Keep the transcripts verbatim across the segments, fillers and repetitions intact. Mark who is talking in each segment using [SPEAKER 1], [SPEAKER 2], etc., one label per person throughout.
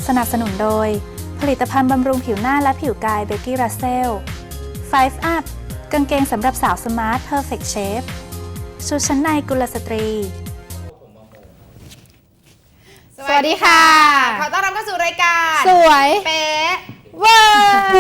[SPEAKER 1] สนับสนุนโดยผลิตภัณฑ์บำรุงผิวหน้าและผิวกายเบกกี้รัสเซล ไฟว์ อัพ กางเกงสำหรับสาวสมาร์ทเพอร์เฟคเชฟชุดชั้นในกุลสตรี
[SPEAKER 2] สวัสดีค่ะ
[SPEAKER 3] ขอต้อนรับเข้าสู่รายการ
[SPEAKER 2] สวย
[SPEAKER 3] เป๊ะ
[SPEAKER 2] เวอร์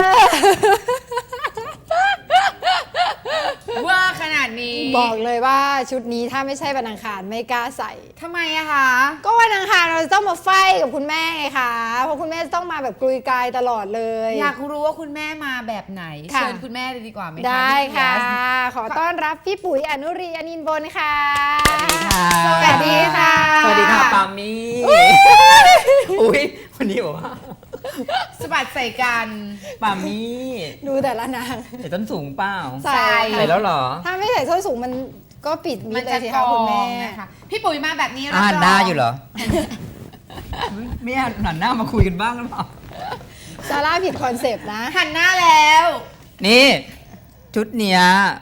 [SPEAKER 3] เวอร์ขนาดนี้
[SPEAKER 2] บอกเลยว่าชุดนี้ถ้าไม่ใช่วันอังคารไม่กล้าใส่
[SPEAKER 3] ทำไมอะคะ
[SPEAKER 2] ก็วันอังคารเราจะต้องมาไฟกับคุณแม่ไงคะเพราะคุณแม่จะต้องมาแบบกลุยกายตลอดเลย
[SPEAKER 3] อยากรู้ว่าคุณแม่มาแบบไหน
[SPEAKER 2] ค่ะ
[SPEAKER 3] เชิญคุณแม่เลยดีกว่าไหมคะ
[SPEAKER 2] ได้ค่ะ
[SPEAKER 3] พี่เฟียส
[SPEAKER 2] ขอต้อนรับพี่ปุ๋ยอนุรีอนินท์บนค่ะ
[SPEAKER 4] สวัสดีค่ะ
[SPEAKER 2] สวัสดีค่ะ
[SPEAKER 4] สวัสดีค่ะปามี่อุ้ยวันนี้บอกว่า
[SPEAKER 3] สะบัดใส่กัน
[SPEAKER 4] ปามี่
[SPEAKER 2] ดูแต่ละนาง
[SPEAKER 4] ใส่ต้นสูงเปล่า
[SPEAKER 2] ใส่
[SPEAKER 4] ใส่แล้วเหรอ
[SPEAKER 2] ถ้าไม่ใส่ส้นสูงมันก็ปิดมิ
[SPEAKER 3] มั
[SPEAKER 2] ด
[SPEAKER 3] น
[SPEAKER 2] เล
[SPEAKER 3] จะ
[SPEAKER 2] ยสิ
[SPEAKER 3] ก
[SPEAKER 2] คะ
[SPEAKER 3] อ
[SPEAKER 2] คุณแม่
[SPEAKER 3] งนะคะพี่ปุ๋ยมาแบบนี้
[SPEAKER 4] อ่าน
[SPEAKER 3] บ
[SPEAKER 4] หน้าอยู่เหรอ ไม่หันหน้ามาคุยกันบ้างหรือเปล่า
[SPEAKER 2] ซาร่าผิดคอนเซปต์นะ
[SPEAKER 3] หันหน้าแล้ว
[SPEAKER 4] นี่ ชุดเนี้ย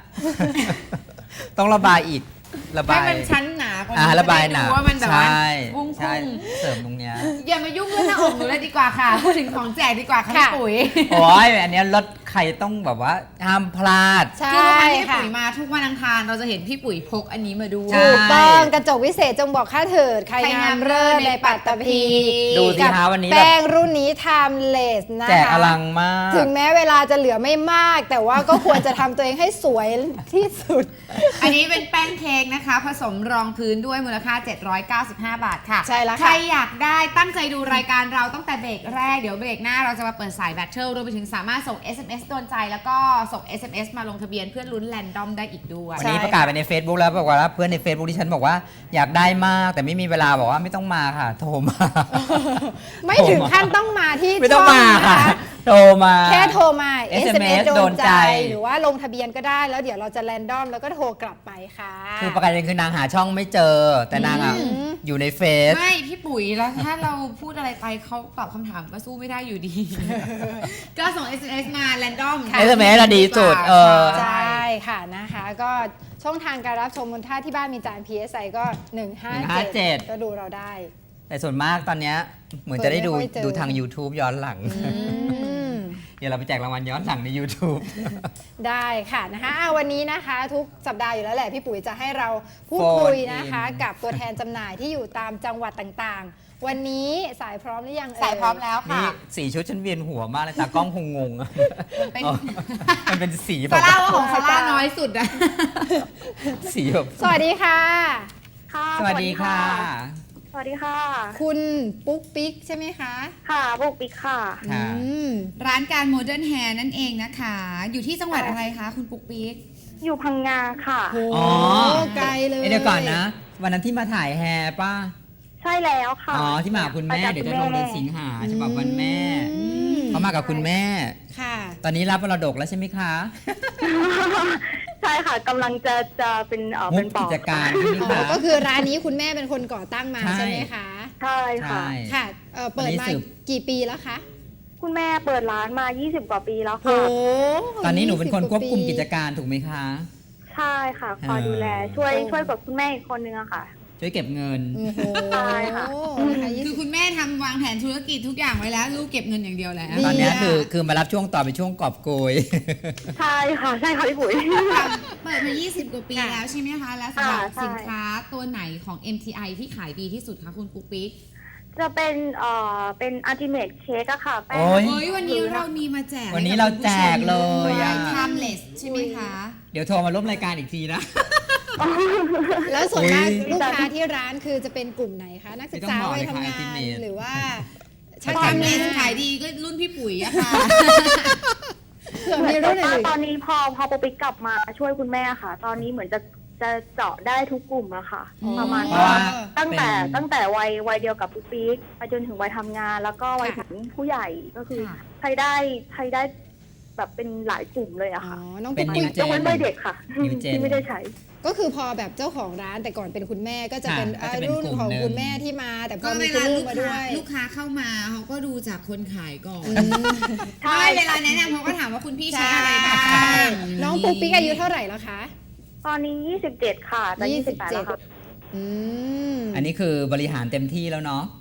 [SPEAKER 4] ต้องระบายอีก ระบา
[SPEAKER 3] ให้
[SPEAKER 4] ย
[SPEAKER 3] มันชั้นหนากว่า
[SPEAKER 4] อ่า
[SPEAKER 3] นี้
[SPEAKER 4] ระบายหนา
[SPEAKER 3] จะได้ดูว่ามันแบบว่า
[SPEAKER 4] ใช่
[SPEAKER 3] พุ่ง
[SPEAKER 4] ใช่
[SPEAKER 3] พุ่ง
[SPEAKER 4] เสริมตรงเนี้ย
[SPEAKER 3] อย่ามายุ่งเรื่องหน้าอกหนูเลยดีกว่าค่ะ พูดถึงของแจกดีกว่าค่ะ
[SPEAKER 2] ค่ะ
[SPEAKER 3] พี่ปุ๋ย
[SPEAKER 4] โอ้ยอันเนี้ยรถใครต้องแบบว่าห้ามพลาด
[SPEAKER 2] ใช่
[SPEAKER 3] คือทุกครั้งที่พี่
[SPEAKER 2] ค่ะ
[SPEAKER 3] ปุ๋ยมาทุกวันอังคารเราจะเห็นพี่ปุ๋ยพกอันนี้มาด้วย
[SPEAKER 4] ใช่
[SPEAKER 2] ถูกต้องกระจกวิเศษจงบอกข้าเถิด ใคร
[SPEAKER 3] ใครงาง
[SPEAKER 2] าม ม
[SPEAKER 3] เลิ
[SPEAKER 2] เลิ
[SPEAKER 3] ศ
[SPEAKER 2] ศ
[SPEAKER 3] ใน
[SPEAKER 2] ใน
[SPEAKER 3] ปั
[SPEAKER 2] ปั
[SPEAKER 3] ต
[SPEAKER 2] ต
[SPEAKER 3] ต
[SPEAKER 2] ต
[SPEAKER 3] ภี
[SPEAKER 2] ภี
[SPEAKER 4] ดูสิ
[SPEAKER 2] กับ
[SPEAKER 4] คะวันนี้แบบ
[SPEAKER 2] แป้งรุ่นนี้ timeless นะคะ
[SPEAKER 4] แจกอลังมาก
[SPEAKER 2] ถึงแม้เวลาจะเหลือไม่มาก แต่ว่าก็ควรจะทำตัวเองให้สวยที่สุด
[SPEAKER 3] อันนี้เป็นแป้งเค้กนะคะ ผสมรองพื้นด้วยมูลค่า เจ็ดร้อยเก้าสิบห้า บาทค่ะ
[SPEAKER 2] ใช่แล้วค่ะ
[SPEAKER 3] ใครอยากได้ตั้งใจดูรายการเราตั้งแต่เบรกแรก เดี๋ยวเบรกหน้าเราจะมาเปิดสายแบตเทิลรวมไปถึงสามารถส่ง เอส เอ็ม เอส โดนใจ แล้วก็ส่ง เอส เอ็ม เอส มาลงทะเบียนเพื่อลุ้นแรนดอมได้อีกด้วย
[SPEAKER 4] วันนี้ประกาศไปใน Facebook แล้วบอกว่าเพื่อนใน Facebook ที่ฉันบอกว่าอยากได้มากแต่ไม่มีเวลาบอกว่าไม่ต้องมาค่ะ โทรมา
[SPEAKER 2] ไม่ถึงขั้นต้องมาที่
[SPEAKER 4] ไม่ต้องมา
[SPEAKER 2] ช่
[SPEAKER 4] ค่ะ
[SPEAKER 2] น
[SPEAKER 4] โทรมา
[SPEAKER 2] แค่โทรมา
[SPEAKER 4] เอส
[SPEAKER 2] เอ
[SPEAKER 4] เอ็
[SPEAKER 2] ส
[SPEAKER 4] ม
[SPEAKER 2] เอ็ม
[SPEAKER 4] เอ
[SPEAKER 2] เอ
[SPEAKER 4] ส
[SPEAKER 2] ส โด
[SPEAKER 4] โด
[SPEAKER 2] น
[SPEAKER 4] น
[SPEAKER 2] ใจ
[SPEAKER 4] ใจ
[SPEAKER 2] หรือว่าลงทะเบียนก็ได้แล้วเดี๋ยวเราจะแรนดอมแล้วก็โทรกลับไปค่ะ
[SPEAKER 4] คือประกาศคือนางหาช่องไม่เจอ แต่นางอ่ะ
[SPEAKER 2] อืม
[SPEAKER 4] อยู่ในเฟซ
[SPEAKER 3] ไม่พี่ปุ๋ยแล้วถ้าเราพูดอะไรไปเขาตอบคำถามก็สู้ไม่ได้อยู่ดี ก็ส่ง เอส เอ็ม เอส มาแรนดอม
[SPEAKER 4] เอส เอ็ม เอส อะดีสุดเออ
[SPEAKER 2] ใช่ค่ะนะคะ ก็ช่องทางการรับชมมูลค่าที่บ้านมีจาน พี เอส ไอ ก็ หนึ่งห้าเจ็ด ก็ดูเราได้
[SPEAKER 4] แต่ส่วนมากตอนเนี้ยเหมือนจะได้ดู
[SPEAKER 2] เปิดไม่ค่อยเจอ
[SPEAKER 4] ดูทาง YouTube ย้อนหลัง เดี๋ยวเราไปแจกรางวัลย้อนหลังใน YouTube
[SPEAKER 2] ได้ค่ะนะคะอ่ะวันนี้นะคะทุกสัปดาห์อยู่แล้วแหละพี่ปุ๋ยจะให้เราพูด
[SPEAKER 4] โฟน
[SPEAKER 2] คุยนะคะ
[SPEAKER 4] อิน
[SPEAKER 2] กับตัวแทนจำหน่ายที่อยู่ตามจังหวัดต่างๆ วันนี้สายพร้อมหรือยังเอ่ย
[SPEAKER 3] สายพร้อมแล้วค่ะ
[SPEAKER 4] นี่สีชุดฉันเวียนหัวมากเลยตากล้องคงงงอะ
[SPEAKER 3] เป็น
[SPEAKER 4] อ๋อมันเป็นสีแบ
[SPEAKER 3] ซา
[SPEAKER 4] บ
[SPEAKER 3] ร่าว่าของซาร่าน้อยสุดอะ
[SPEAKER 4] สีแบบ
[SPEAKER 2] สวัสดีค่ะ
[SPEAKER 5] ค่ะ
[SPEAKER 4] สวัสดีค่ะ
[SPEAKER 5] สวัสดีค่ะ
[SPEAKER 2] คุณปุ๊กปิ๊กใช่ไหมคะ
[SPEAKER 5] ค่ะบุกปิกค่ะ
[SPEAKER 4] ค่ะ
[SPEAKER 2] อืม
[SPEAKER 3] ร้านการโมเดิร์นแฮร์นั่นเองนะคะ อยู่ที่จังหวัดอะไรคะคุณปุ๊กปิ๊ก
[SPEAKER 5] อยู่พังงาค่ะ
[SPEAKER 2] โอ้
[SPEAKER 4] อ๋อ
[SPEAKER 2] ไกลเลย
[SPEAKER 4] เอ้ยเดี๋ยวก่อนนะ วันนั้นที่มาถ่ายแฮร์ป่ะ
[SPEAKER 5] ใช่แล้วค่ะ
[SPEAKER 4] อ๋อ ที่มากับคุณแม่
[SPEAKER 5] าจาก
[SPEAKER 4] เดี๋ยวจะลงเดือนสิงหาฉบับวันแม่
[SPEAKER 2] อืม
[SPEAKER 4] เขามากับคุณแม่
[SPEAKER 2] ค่ะ
[SPEAKER 4] ตอนนี้รับมรดกแล้วใช่ไหมคะ
[SPEAKER 5] ใช่ค่ะกำลังจะจะเป็นเออ
[SPEAKER 4] มุ
[SPEAKER 5] เป็
[SPEAKER 4] ก
[SPEAKER 5] นป
[SPEAKER 4] กิ
[SPEAKER 5] อก
[SPEAKER 4] จการใช่ไหม
[SPEAKER 2] อ๋อ
[SPEAKER 4] คะ
[SPEAKER 2] ก็คือร้านนี้คุณแม่เป็นคนก่อตั้งมา
[SPEAKER 4] ใช่
[SPEAKER 2] ใช่ไหมคะ
[SPEAKER 5] ใช่ค่ะ
[SPEAKER 4] ใช่
[SPEAKER 2] ค่ะเอ่อเปิด
[SPEAKER 4] วันนี้
[SPEAKER 2] มา
[SPEAKER 4] สืบ
[SPEAKER 2] กี่ปีแล้วคะ
[SPEAKER 5] คุณแม่เปิดร้านมา ยี่สิบ กว่าปีแล้ว
[SPEAKER 2] โอ้
[SPEAKER 5] ค่ะ
[SPEAKER 4] ตอนนี้หนูเป็นคน
[SPEAKER 2] ยี่สิ
[SPEAKER 4] ควบคุม
[SPEAKER 2] ว่าปี
[SPEAKER 4] กิจการถูกไหมคะ
[SPEAKER 5] ใช่ค่ะ คอยดูแล ช่วยช่วยกับคุณแม่อีกคนนึงอะค่ะ
[SPEAKER 4] ช่วยเก็บเงิน
[SPEAKER 2] โอ้โห
[SPEAKER 5] ใช่ค่ะ
[SPEAKER 2] นะคะยี่
[SPEAKER 3] คื
[SPEAKER 2] สิ
[SPEAKER 3] อบ คุณแม่ทำวางแผนธุรกิจทุกอย่างไว้แล้ว ลูกเก็บเงินอย่างเดียวแล้ว
[SPEAKER 2] ดี
[SPEAKER 4] ตอนเนี้ย
[SPEAKER 2] อะ
[SPEAKER 4] คือคือมารับช่วงต่อเป็นช่วงกอบโกย
[SPEAKER 5] ใช่ค่ะ ใช่ค่ะพี่ปุ๋ย
[SPEAKER 3] เปิดมา ยี่สิบ กว่าปี
[SPEAKER 2] ค่ะ
[SPEAKER 3] แล้วใช่ไหมคะ แล้วสำหรับ
[SPEAKER 5] ค่ะใช่
[SPEAKER 3] สินค้าตัวไหนของ เอ็ม ที ไอ ที่ขายดีที่สุดคะคุณปุ๊กปิ๊ก
[SPEAKER 5] จะเป็นเอ่อเป็นอัลติเมทเค้กอะค่ะแป้ง
[SPEAKER 4] โอ้ย
[SPEAKER 3] เฮ้ยวันนี้เรามีมาแจก
[SPEAKER 4] วันนี้เราแจกเลยอะ
[SPEAKER 3] ทำเลสใช่ไหมคะ
[SPEAKER 4] เดี๋ยวโทรมาร่วมรายการอีกทีนะ
[SPEAKER 2] แล้วส่วนมาก
[SPEAKER 4] อุ๊ย
[SPEAKER 2] ลูกค้าที่ร้านคือจะเป็นกลุ่มไหนคะ นักศึกษา
[SPEAKER 4] ไม่ต้องบอก
[SPEAKER 2] วัย
[SPEAKER 4] เลยค่ะ
[SPEAKER 2] ทำงาน
[SPEAKER 4] Ultimate
[SPEAKER 2] หรือว่า
[SPEAKER 3] ถ้า
[SPEAKER 2] ช่าง
[SPEAKER 3] ทำเล
[SPEAKER 2] ทำ
[SPEAKER 3] ส
[SPEAKER 2] งาน
[SPEAKER 3] ขายดีก็รุ่นพี่ปุ๋ยอะค่ะ
[SPEAKER 2] เผื่อมีรุ่นอื่น
[SPEAKER 5] ตอนนี้พอพอปุ๊กปิกกลับมาช่วยคุณแม่ค่ะ ตอนนี้เหมือนจะจะเจาะได้ทุกกลุ่มอะค่ะ
[SPEAKER 2] อ๋อ
[SPEAKER 5] ประมาณ
[SPEAKER 4] เพราะว่า
[SPEAKER 5] ตั้งแต่
[SPEAKER 4] เป็น
[SPEAKER 5] ตั้งแต่วัยวัยเดียวกับปุ๊กปิ๊กไปจนถึงวัยทำงาน แล้วก็วัย
[SPEAKER 2] ค่ะ
[SPEAKER 5] ถึงผู้ใหญ่ก็คือ
[SPEAKER 3] ค่ะ
[SPEAKER 5] ใช้ได้ใช้ได้แบบเป็นหลายกลุ่มเลยอะ
[SPEAKER 2] อ๋อ
[SPEAKER 5] ค่ะ
[SPEAKER 2] น้อง
[SPEAKER 4] เป็
[SPEAKER 2] ปุ๊
[SPEAKER 4] น
[SPEAKER 2] ก
[SPEAKER 4] New
[SPEAKER 2] ปิ๊ก
[SPEAKER 5] ยกเว้นวัยเด็กค่ะ
[SPEAKER 4] New Gen
[SPEAKER 5] ที่ไม่ได้ใช้
[SPEAKER 2] ก็คือพอแบบเจ้าของร้านแต่ก่อนเป็นคุณแม่ก็จะ
[SPEAKER 4] ค่ะ
[SPEAKER 2] เป็น
[SPEAKER 4] ก็จะเป็น
[SPEAKER 2] รุ่น
[SPEAKER 4] กลุ่ม
[SPEAKER 2] ของ
[SPEAKER 4] หนึ่ง
[SPEAKER 2] คุณแม่ที่มา แต่พ
[SPEAKER 3] ก็
[SPEAKER 2] อ
[SPEAKER 3] เว
[SPEAKER 2] มีคุณ
[SPEAKER 3] ลา
[SPEAKER 2] ลู
[SPEAKER 3] ลู
[SPEAKER 2] ก
[SPEAKER 3] ก
[SPEAKER 2] มาด้
[SPEAKER 3] ค้า
[SPEAKER 2] วย
[SPEAKER 3] ลูกค้าเข้ามาเขาก็ดูจากคนขายก่อน
[SPEAKER 2] อืม
[SPEAKER 5] ใช่
[SPEAKER 3] ใช่เวลาแนะนำเขาก็ถามว่าคุณพี่ใช้อะไรบ้าง
[SPEAKER 2] น้องปุ๊กปิ๊กอายุเท่าไหร่แล้วคะ
[SPEAKER 5] ตอนนี้ยี่สิบเจ็ดค่ะจะยี่สิบแปดแล้วค่ะ
[SPEAKER 2] อืม
[SPEAKER 4] อันนี้คือบริหารเต็มที่แล้วเนาะ
[SPEAKER 5] ค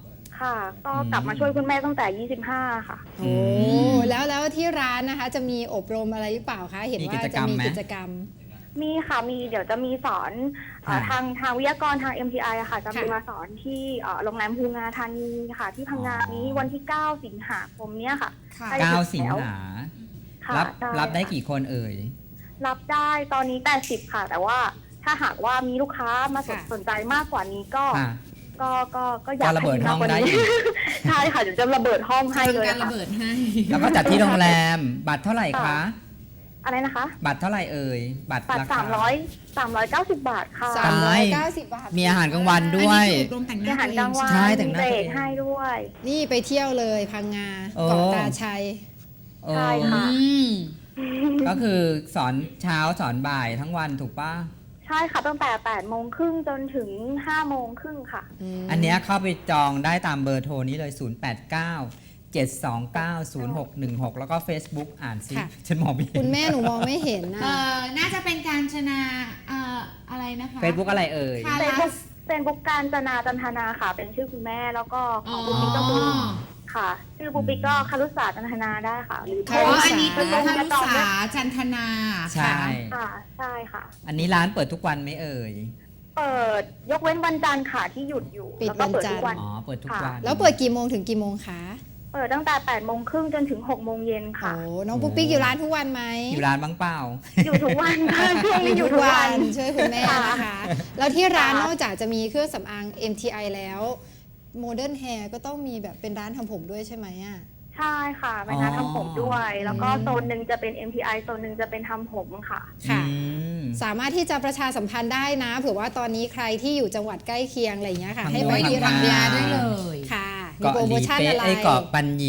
[SPEAKER 5] ค่ะ ก็กลับมาช่วยคุณแม่ตั้งแต่ยี่สิบห้าค่ะ
[SPEAKER 2] โอ้แล้วแล้วที่ร้านนะคะจะมีอบรมอะไรหรือเปล่าคะเห็นว่าจะมีกิจกรรม
[SPEAKER 5] มีค่ะ มีเดี๋ยวจะมีสอนเอ่อทางทางวิทยากรทาง เอ็ม ที ไอ อะค่ะ จะมี
[SPEAKER 2] ค่ะ
[SPEAKER 5] มาสอนที่เอ่อโรงแรมภูงาธานีค่ะ ที่พังงานี้วันที่ เก้า สิงหาคมเนี้ยค่ะ
[SPEAKER 3] ค่ะ
[SPEAKER 5] ใกล้
[SPEAKER 4] เก้า
[SPEAKER 5] ถึ
[SPEAKER 4] สิง
[SPEAKER 5] แล้ว
[SPEAKER 4] หา
[SPEAKER 5] ค่ะ
[SPEAKER 4] รับ
[SPEAKER 5] ใช่
[SPEAKER 4] รับได้
[SPEAKER 5] ค่ะ
[SPEAKER 4] กี่คนเอ่ย
[SPEAKER 5] รับได้ตอนนี้แปดสิบค่ะ แต่ว่าถ้าหากว่ามีลูกค้ามาสน
[SPEAKER 2] ค่ะ
[SPEAKER 5] สนใจมากกว่านี้ก็
[SPEAKER 4] ค่ะ
[SPEAKER 5] ก็ก็ก็อยาก
[SPEAKER 4] ก็ระเบิด
[SPEAKER 5] ให้มี
[SPEAKER 4] ห้อง
[SPEAKER 5] มากกว่า
[SPEAKER 4] ได้
[SPEAKER 5] นี้
[SPEAKER 4] อีก
[SPEAKER 5] ใช่ค่ะเดี๋ยวจะระเบิดห้องให้เลย
[SPEAKER 3] การระ
[SPEAKER 5] ค่ะ
[SPEAKER 3] เบิดให้
[SPEAKER 4] แล้วก็จัดที่โรงแรม บัตรเท่าไหร่คะ
[SPEAKER 5] ค่ะ อะไรนะคะ
[SPEAKER 4] บัตรเท่าไหร่เอ่ย บัตร
[SPEAKER 5] บัตร
[SPEAKER 4] ราคา
[SPEAKER 5] สามร้อยสามร้อยเก้าสิบบาทค่ะ
[SPEAKER 2] สามร้อยเก้าสิบบาท
[SPEAKER 4] มีอาหารกลางวันด้วย
[SPEAKER 3] อันนี้คืออบรมแต่งห
[SPEAKER 5] มี
[SPEAKER 3] น้า
[SPEAKER 5] อาหารกลางวัน
[SPEAKER 4] ใช่
[SPEAKER 5] มี
[SPEAKER 4] แต่งหน้า
[SPEAKER 5] เบร
[SPEAKER 4] ตัว
[SPEAKER 5] ก
[SPEAKER 4] เอง
[SPEAKER 5] ให้ด้วย
[SPEAKER 2] นี่ไปเที่ยวเลยพังงา
[SPEAKER 4] โอ้
[SPEAKER 2] เกาะตาชัย
[SPEAKER 4] เออ
[SPEAKER 5] ใช่ค่ะ
[SPEAKER 3] อืม
[SPEAKER 4] ก็คือสอนเช้าสอนบ่ายทั้งวันถูกป่ะ
[SPEAKER 5] ใช่ค่ะตั้งแต่แปดโมงครึ่งจนถึงห้าโมงครึ่งค่ะ
[SPEAKER 4] อันเนี้ยเข้าไปจองได้ตามเบอร์โทรนี้เลย ศูนย์ แปด เก้า เจ็ด สอง เก้า ศูนย์ หก หนึ่ง หก แล้วก็ Facebook อ่านซิ
[SPEAKER 2] ค่ะ
[SPEAKER 4] ฉันมองไม่เห็
[SPEAKER 2] คุณ
[SPEAKER 4] น
[SPEAKER 2] แม่หนูมองไม่เห็นนะ
[SPEAKER 3] เอ่อ น่าจะเป็นการชนะเอ่ออะไรนะคะ
[SPEAKER 4] Facebook อะไรเอ่ย
[SPEAKER 3] ค่ะ
[SPEAKER 5] เฟซบุ๊กเฟซบุ๊กการจนาจันทนาค่ะ เป็นชื่อคุณแม่แล้วก็ข
[SPEAKER 3] อ๋
[SPEAKER 5] อ
[SPEAKER 3] อง
[SPEAKER 5] ปุ๊กปิ๊กก็คือค่ะ ชื่อปุ๊กปิ๊กก็คารุศาสตร์จันทนาได้ค่ะหรือ
[SPEAKER 2] คา
[SPEAKER 3] อ๋
[SPEAKER 2] รุ
[SPEAKER 3] อ
[SPEAKER 2] ศาสตร์
[SPEAKER 3] อันนี้คือ
[SPEAKER 5] แล้ว
[SPEAKER 3] คา
[SPEAKER 5] ก็
[SPEAKER 3] รุ
[SPEAKER 5] จอง
[SPEAKER 3] ษา
[SPEAKER 5] ด้วย
[SPEAKER 3] จันทนา
[SPEAKER 4] ใช่
[SPEAKER 5] ค่ะใช่ค่ะ
[SPEAKER 4] อันนี้ร้านเปิดทุกวันไหมเอ่ย
[SPEAKER 5] เปิดยกเว้นวันจันทร์ค่ะที่หยุดอยู่
[SPEAKER 2] ปิด
[SPEAKER 5] แล้วก็เปิด
[SPEAKER 2] วันจันทร์
[SPEAKER 5] ทุกวัน
[SPEAKER 4] อ๋อ เปิดทุกวัน
[SPEAKER 2] แล้วเปิดกี่โมงถึงกี่โมงคะ
[SPEAKER 5] เปิดตั้งแต่แปดโมงครึ่งจนถึงหกโมงเย็น
[SPEAKER 2] โอ้
[SPEAKER 5] ค่ะ
[SPEAKER 2] น้องปุ๊กปิ๊กอยู่ร้านทุกวันไหม
[SPEAKER 4] อยู่ร้านบ้างเปล่า
[SPEAKER 5] อยู่ทุกวันค่ะช่วงนี้อยู่ทุกวัน
[SPEAKER 2] ช่วยคุณแม่นะคะ แล้วที่ร้านนอกจากจะมีเครื่องสำอาง เอ็ม ที ไอ แล้วโมเดิร์นแฮร์ก็ต้องมีแบบเป็นร้านทำผมด้วยใช่ไหมอ่ะ
[SPEAKER 5] ใช่ค่ะเป็นร้าน
[SPEAKER 4] อ๋อ
[SPEAKER 5] ทำผมด้วย แล้วก็
[SPEAKER 2] อืม
[SPEAKER 5] โซนหนึ่งจะเป็น เอ็ม ที ไอ โซนหนึ่งจะเป็นทำผมค่ะ
[SPEAKER 2] ค่ะ
[SPEAKER 4] อืม
[SPEAKER 2] สามารถที่จะประชาสัมพันธ์ได้นะ เผื่อว่าตอนนี้ใครที่อยู่จังหวัดใกล้เคียงอะไรอย่างเงี้ยค่ะ
[SPEAKER 4] ทำ
[SPEAKER 2] ให้
[SPEAKER 4] โด
[SPEAKER 2] ไป
[SPEAKER 4] ย
[SPEAKER 2] ที่
[SPEAKER 4] ทำ
[SPEAKER 2] ร้าน
[SPEAKER 4] ง
[SPEAKER 3] ยาได้เลย
[SPEAKER 2] ค่ะมี
[SPEAKER 4] เกาะ
[SPEAKER 2] โปร
[SPEAKER 4] ห
[SPEAKER 2] โม
[SPEAKER 4] ลี
[SPEAKER 2] ชั่น
[SPEAKER 4] เป๊ะ
[SPEAKER 2] อะไร
[SPEAKER 4] ไอ้เกาะปันหยี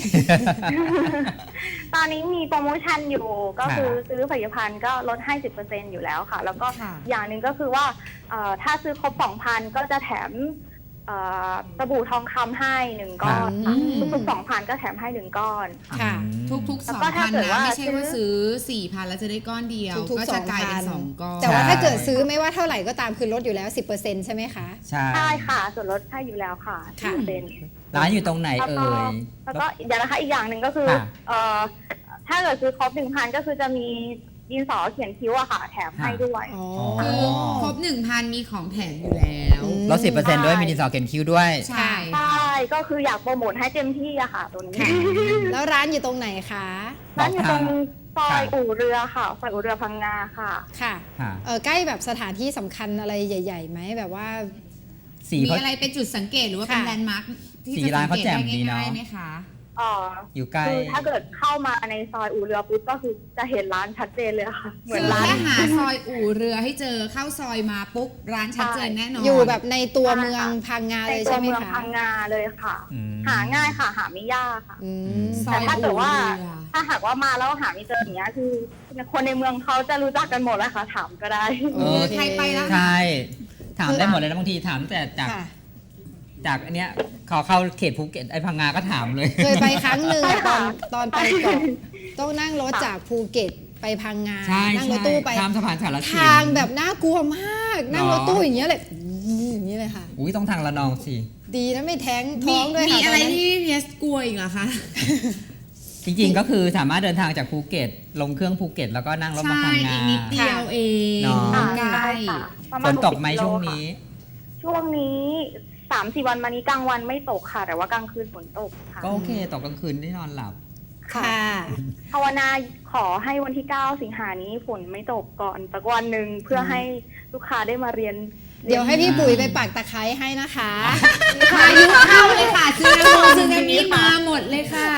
[SPEAKER 5] ตอนนี้มีโปรโมชั่นอยู่ก็
[SPEAKER 4] ค่ะ
[SPEAKER 5] คือซื้อผลิตภัณฑ์ก็ลดให้ สิบเปอร์เซ็นต์ อยู่แล้วค่ะ แล้วก็
[SPEAKER 3] ค่ะ
[SPEAKER 5] อย่างหนึ่งก็คือว่าเอ่อถ้าซื้อครบ สองพัน ก็จะแถมเอ่อสบู่ทองคำให้หนึ่งก้อนค่ะ
[SPEAKER 2] อืม
[SPEAKER 5] ทุกๆสองพันก็แถมให้หนึ่งก้อน
[SPEAKER 2] ค่ะ
[SPEAKER 3] ทุกๆ
[SPEAKER 5] แล้
[SPEAKER 3] ส
[SPEAKER 5] ว
[SPEAKER 3] อง
[SPEAKER 5] ก็
[SPEAKER 3] พั
[SPEAKER 5] ถ้าน เกิด
[SPEAKER 3] นะ
[SPEAKER 5] ว่า
[SPEAKER 3] ไม่ใช่ว่า
[SPEAKER 5] ซื้อ
[SPEAKER 3] ซื้อสี่พันแล้วจะได้ก้อนเดียว
[SPEAKER 2] ทุกๆ
[SPEAKER 3] ก็จะกลายเป็น
[SPEAKER 2] ส
[SPEAKER 3] ส
[SPEAKER 2] อ
[SPEAKER 3] อง ง
[SPEAKER 2] พัน
[SPEAKER 3] ก้อน
[SPEAKER 2] แต่ว่า
[SPEAKER 4] ใช่
[SPEAKER 2] ถ้าเกิดซื้อไม่ว่าเท่าไหร่ก็ตามคือลดอยู่แล้ว สิบเปอร์เซ็นต์ ใช่ไหมคะ
[SPEAKER 4] ใช่
[SPEAKER 5] ใช่ค่ะ ส่วนลดให้อยู่แล้วค่ะ
[SPEAKER 2] ค่ะ
[SPEAKER 5] สิบเปอร์เซ็นต์
[SPEAKER 4] ร้านอยู่ตรงไหน
[SPEAKER 5] แล้ว
[SPEAKER 4] เอ่
[SPEAKER 5] ก็
[SPEAKER 4] ย
[SPEAKER 5] แล้วก็เดี๋ยวนะคะอีกอย่างหนึ่งก็คือ
[SPEAKER 4] ค่ะ
[SPEAKER 5] เอ่อถ้าเกิดซื้อครบหนึ่งพันก็คือจะมีดินสอเขียนคิ้วอะค่ะ แถมให้ด้วย
[SPEAKER 2] อ๋อ
[SPEAKER 3] คือครบหนึ่งพันมีของแถมอยู่แล้ว
[SPEAKER 2] อืม
[SPEAKER 4] ลดสิบเปอร์เซ็นต์ด้วยมีดินสอเขียนคิ้วด้วย
[SPEAKER 3] ใช่
[SPEAKER 5] ใช่ก็คืออยากโปรโมทให้เต็มที่อะค่ะตัวนี้
[SPEAKER 2] ค่ะ แล้วร้านอยู่ตรงไหนคะ
[SPEAKER 5] ร้านอยู่ตรงซอย
[SPEAKER 4] ค่ะ
[SPEAKER 5] อู่เรือค่ะซอยอู่เรือพังงาค่ะ
[SPEAKER 2] ค่ะ
[SPEAKER 4] ค่ะ
[SPEAKER 2] เออใกล้แบบสถานที่สำคัญอะไรใหญ่ๆไหมแบบว่า
[SPEAKER 4] สี
[SPEAKER 3] มี
[SPEAKER 4] เขา
[SPEAKER 3] อะไรเป็นจุดสังเกตหรือว่าเป็น
[SPEAKER 2] ค่ะ
[SPEAKER 3] แลนด์มาร์คที่
[SPEAKER 4] สี
[SPEAKER 3] จะ
[SPEAKER 4] ร้า
[SPEAKER 3] สั
[SPEAKER 4] น
[SPEAKER 3] ง
[SPEAKER 4] เขา
[SPEAKER 3] เกต
[SPEAKER 4] แจ่ม
[SPEAKER 3] ได้
[SPEAKER 4] ดีเนอะ
[SPEAKER 3] ง่ายๆไหมคะ
[SPEAKER 5] เอ่อ
[SPEAKER 4] อยู่ใกล้
[SPEAKER 5] คือถ้าเกิดเข้ามาในซอยอู่เรือปุ๊บก็คือจะเห็นร้านชัดเจนเลยค่ะ เหมื
[SPEAKER 3] คือ
[SPEAKER 5] อนร้าน
[SPEAKER 3] แค่หาซอยอู่เรือให้เจอเข้าซอยมาปุ๊บร้านชัดเจนแน่นอน
[SPEAKER 2] อยู่แบบในตัวเมืองพังงา
[SPEAKER 5] ใน
[SPEAKER 2] เลย
[SPEAKER 5] ตั
[SPEAKER 2] ใช่
[SPEAKER 5] ว
[SPEAKER 2] ไหม
[SPEAKER 5] เมือง
[SPEAKER 2] คะ
[SPEAKER 5] พังงาเลยค่ะ
[SPEAKER 4] อืม
[SPEAKER 5] หาง่ายค่ะ หาไม่ยากค่ะ
[SPEAKER 2] อืม
[SPEAKER 3] ซอ
[SPEAKER 5] แต่
[SPEAKER 3] ย
[SPEAKER 5] ถ้าเกิดว่า
[SPEAKER 3] อู่เรือ
[SPEAKER 5] ถ้าหากว่ามาแล้วหาไม่เจออย่างเงี้ยคือคนในเมืองเขาจะรู้จักกันหมดแล้วค่ะ ถามก็ได้
[SPEAKER 4] เออ
[SPEAKER 3] ใครไปแล้ว
[SPEAKER 4] ใช่ ถามได้หมดเลยนะบางทีถามแต่จาก
[SPEAKER 2] ค่ะ
[SPEAKER 4] จากอันเนี้ยขอเข้าเขตภูเก็ตไอ้พังงาก็ถามเลย
[SPEAKER 2] เคยไปครั้งหนึ่ง
[SPEAKER 5] ใช่
[SPEAKER 2] อะตอ
[SPEAKER 5] ค่ะ
[SPEAKER 2] นตอนไปเกาะต้องนั่งรถจากภูเก็ตไปพังงา
[SPEAKER 4] ใช่
[SPEAKER 2] นั่งร
[SPEAKER 4] ใช่
[SPEAKER 2] ถตู้ไป
[SPEAKER 4] ข้ามสะพานสารสิน
[SPEAKER 2] ทางแบบน่ากลัวมาก นั่ง
[SPEAKER 4] หร
[SPEAKER 2] ร
[SPEAKER 4] อ
[SPEAKER 2] ถตู้อย่างเงี้ยเลยอื้ออย่างนี้เลยค่ะ
[SPEAKER 4] อุ้ยต้องทางละนองสิ
[SPEAKER 2] ดีนะไม่แท้ง
[SPEAKER 3] มี
[SPEAKER 2] ท้องด้วย
[SPEAKER 3] มี
[SPEAKER 2] ค่ะ
[SPEAKER 3] อะไร
[SPEAKER 2] ตนนั้น
[SPEAKER 3] ที่พีเอสกลัวอีกเหรอคะ
[SPEAKER 4] จริงๆก็คือสามารถเดินทางจากภูเก็ต ลงเครื่องภูเก็ตแล้วก็นั่งรถมา
[SPEAKER 3] ใช่
[SPEAKER 4] พังงา
[SPEAKER 3] อีกนิดเดียวเอง
[SPEAKER 4] เนาะ
[SPEAKER 5] ค่ะ
[SPEAKER 3] ใกล้
[SPEAKER 5] ใช่ค่ะประ
[SPEAKER 4] ฝ
[SPEAKER 5] มาณ
[SPEAKER 4] นตกไหม
[SPEAKER 5] หสิบ
[SPEAKER 4] ช่วง
[SPEAKER 5] โลค่ะ
[SPEAKER 4] นี้
[SPEAKER 5] ช่วงนี้สามสี่วันมานี้กลางวันไม่ตกค่ะ แต่ว่ากลางคืนฝนตกค่ะ
[SPEAKER 4] ก็โอเคตกกลางคืนได้นอนหลับ
[SPEAKER 2] ค่ะ
[SPEAKER 5] ภาวนาขอให้วันที่เก้าสิงหานี้ฝนไม่ตกก่อนสักวันหนึ่งเพื่อให้ลูกค้าได้มาเรียน
[SPEAKER 2] เดี๋ยวให้พี่ปุ๋ยไปปักตะไคร้ให้นะคะ
[SPEAKER 3] พายุเข้าเลยค่ะซึนามิซึนามิมาหมดเลยค่ะ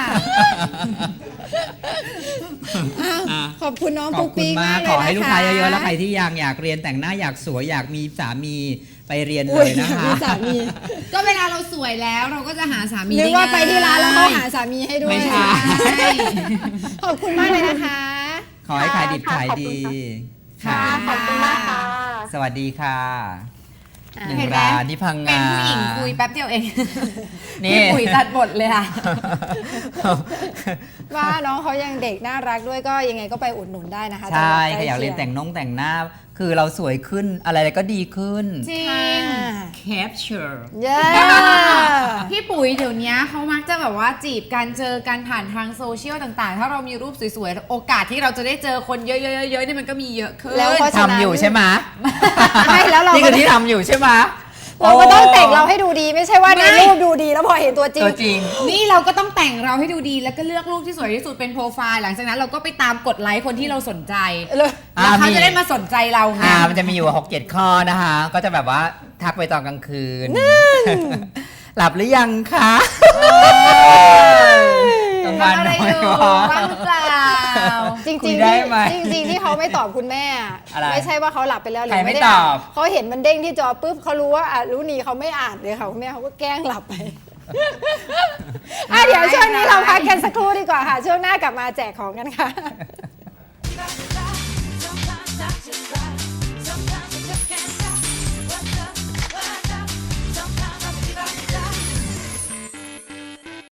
[SPEAKER 2] อ้าว
[SPEAKER 4] อ่ะ
[SPEAKER 2] ขอบคุณน้อง
[SPEAKER 4] ขอ
[SPEAKER 2] ปุ๊
[SPEAKER 4] บ
[SPEAKER 2] ก
[SPEAKER 4] คุณ
[SPEAKER 2] ปิ๊ก
[SPEAKER 4] มาม
[SPEAKER 2] าก กเลย
[SPEAKER 4] ขอ
[SPEAKER 2] นะคะ
[SPEAKER 4] ให้ลูกค้าเยอะๆ แล้วใครที่ยังอยากเรียนแต่งหน้าอยากสวยอยากมีสามีไปเรียนเลยนะคะ
[SPEAKER 2] มีสามี
[SPEAKER 3] ก็เวลาเราสวยแล้วเราก็จะหาสามี
[SPEAKER 2] นึก
[SPEAKER 3] ได้
[SPEAKER 2] ว่าไปที่ร้านแล้วเขา
[SPEAKER 3] ง่ย
[SPEAKER 2] หาสามีให้ด้วย
[SPEAKER 4] ไม่ใช่
[SPEAKER 3] ใช่
[SPEAKER 2] ขอบคุณมากเลยนะคะ
[SPEAKER 4] ขอให้ขายดิบ
[SPEAKER 5] ค่ะ
[SPEAKER 4] ขาย
[SPEAKER 5] ขอบคุ
[SPEAKER 4] ดี
[SPEAKER 5] ณค่ะ ขอบคุณมากค่ะ
[SPEAKER 4] สวัสดีค่ะ
[SPEAKER 2] อ่า
[SPEAKER 4] หนึ่ง
[SPEAKER 3] เห็นไหม
[SPEAKER 4] ร้านที่พัง
[SPEAKER 3] เป็น
[SPEAKER 4] งา
[SPEAKER 3] ผู้หญิงคุยแป๊บเดียวเอง
[SPEAKER 4] นี่
[SPEAKER 3] พี่ปุ๋ยตัดบทเลยค่ะ
[SPEAKER 2] ว่าน้องเขายังเด็กน่ารักด้วยก็ยังไงก็ไปอุดหนุนได้นะคะ
[SPEAKER 4] ใช่
[SPEAKER 2] จังหวัด
[SPEAKER 4] ใครอยากเรียน
[SPEAKER 2] ใก
[SPEAKER 4] แต่
[SPEAKER 2] ล้
[SPEAKER 4] งนงแต่งหน้า คือเราสวยขึ้นอะไรๆก็ดีขึ้น
[SPEAKER 3] จริ
[SPEAKER 2] เคีย
[SPEAKER 3] ง
[SPEAKER 2] งค่ะ
[SPEAKER 3] capture
[SPEAKER 2] เย้
[SPEAKER 3] พี่ปุ๋ยเดี๋ยวนี้เขามักจะแบบว่าจีบกันเจอกันผ่านทางโซเชียลต่างๆ ถ้าเรามีรูปสวยๆ โอกาสที่เราจะได้เจอคนเยอะๆๆๆนี่มันก็มีเยอะขึ้น
[SPEAKER 2] แล้วเพราะฉะนั้น
[SPEAKER 4] ทำอยู่ใช่ไหม
[SPEAKER 2] ไม่แล้วเรา
[SPEAKER 4] นี่
[SPEAKER 2] ก็
[SPEAKER 4] คือที่ทำอยู่ใช่ไหม
[SPEAKER 2] เราก็ต้องแต่งเราให้ดูดีไม่ใช่ว่าใน
[SPEAKER 3] ไม่
[SPEAKER 2] รูปดูดีแล้วพอเห็นตัวจริง
[SPEAKER 4] ตัวจริง
[SPEAKER 3] นี่เราก็ต้องแต่งเราให้ดูดีแล้วก็เลือกรูปที่สวยที่สุดเป็นโปรไฟล์หลังจากนั้นเราก็ไปตามกดไลค์คนที่เราสนใจ
[SPEAKER 2] เลย
[SPEAKER 3] แล้วเขา
[SPEAKER 4] อ่ามี
[SPEAKER 3] จะได้มาสนใจเราไง
[SPEAKER 4] อ่ามันจะมีอยู่หกเจ็ดข้อนะคะ ก็จะแบบว่าทักไปตอนกลางคืน หลับหรือยังคะกลางวัน
[SPEAKER 3] ทำอะไร
[SPEAKER 4] น้อ
[SPEAKER 3] อย ยู่
[SPEAKER 4] กว่า
[SPEAKER 3] ว่างหรือเปล่า
[SPEAKER 2] จริงๆ
[SPEAKER 4] คุ
[SPEAKER 2] ที่
[SPEAKER 4] ยได้ไหม
[SPEAKER 2] จริงๆที่เขาไม่ตอบคุณแม่อะ
[SPEAKER 4] อะไร
[SPEAKER 2] ไม่ใช่ว่าเขาหลับไปแล้วหรื
[SPEAKER 4] ใคร
[SPEAKER 2] อ
[SPEAKER 4] ไม่
[SPEAKER 2] ไม่ได้
[SPEAKER 4] ต
[SPEAKER 2] อ่า
[SPEAKER 4] อน บ
[SPEAKER 2] เขาเห็นมันเด้งที่จอปุ๊บเขารู้ว่าอ่ะรู้นีเขาไม่อ่านเลยค่ะคุณแม่เขาก็แกล้งหลับไปอ่ะเดี๋ยวช่วงนี้เราพักกันสักครู่ดีกว่าค่ะ ช่วงหน้ากลับมาแจกของกันค่ะ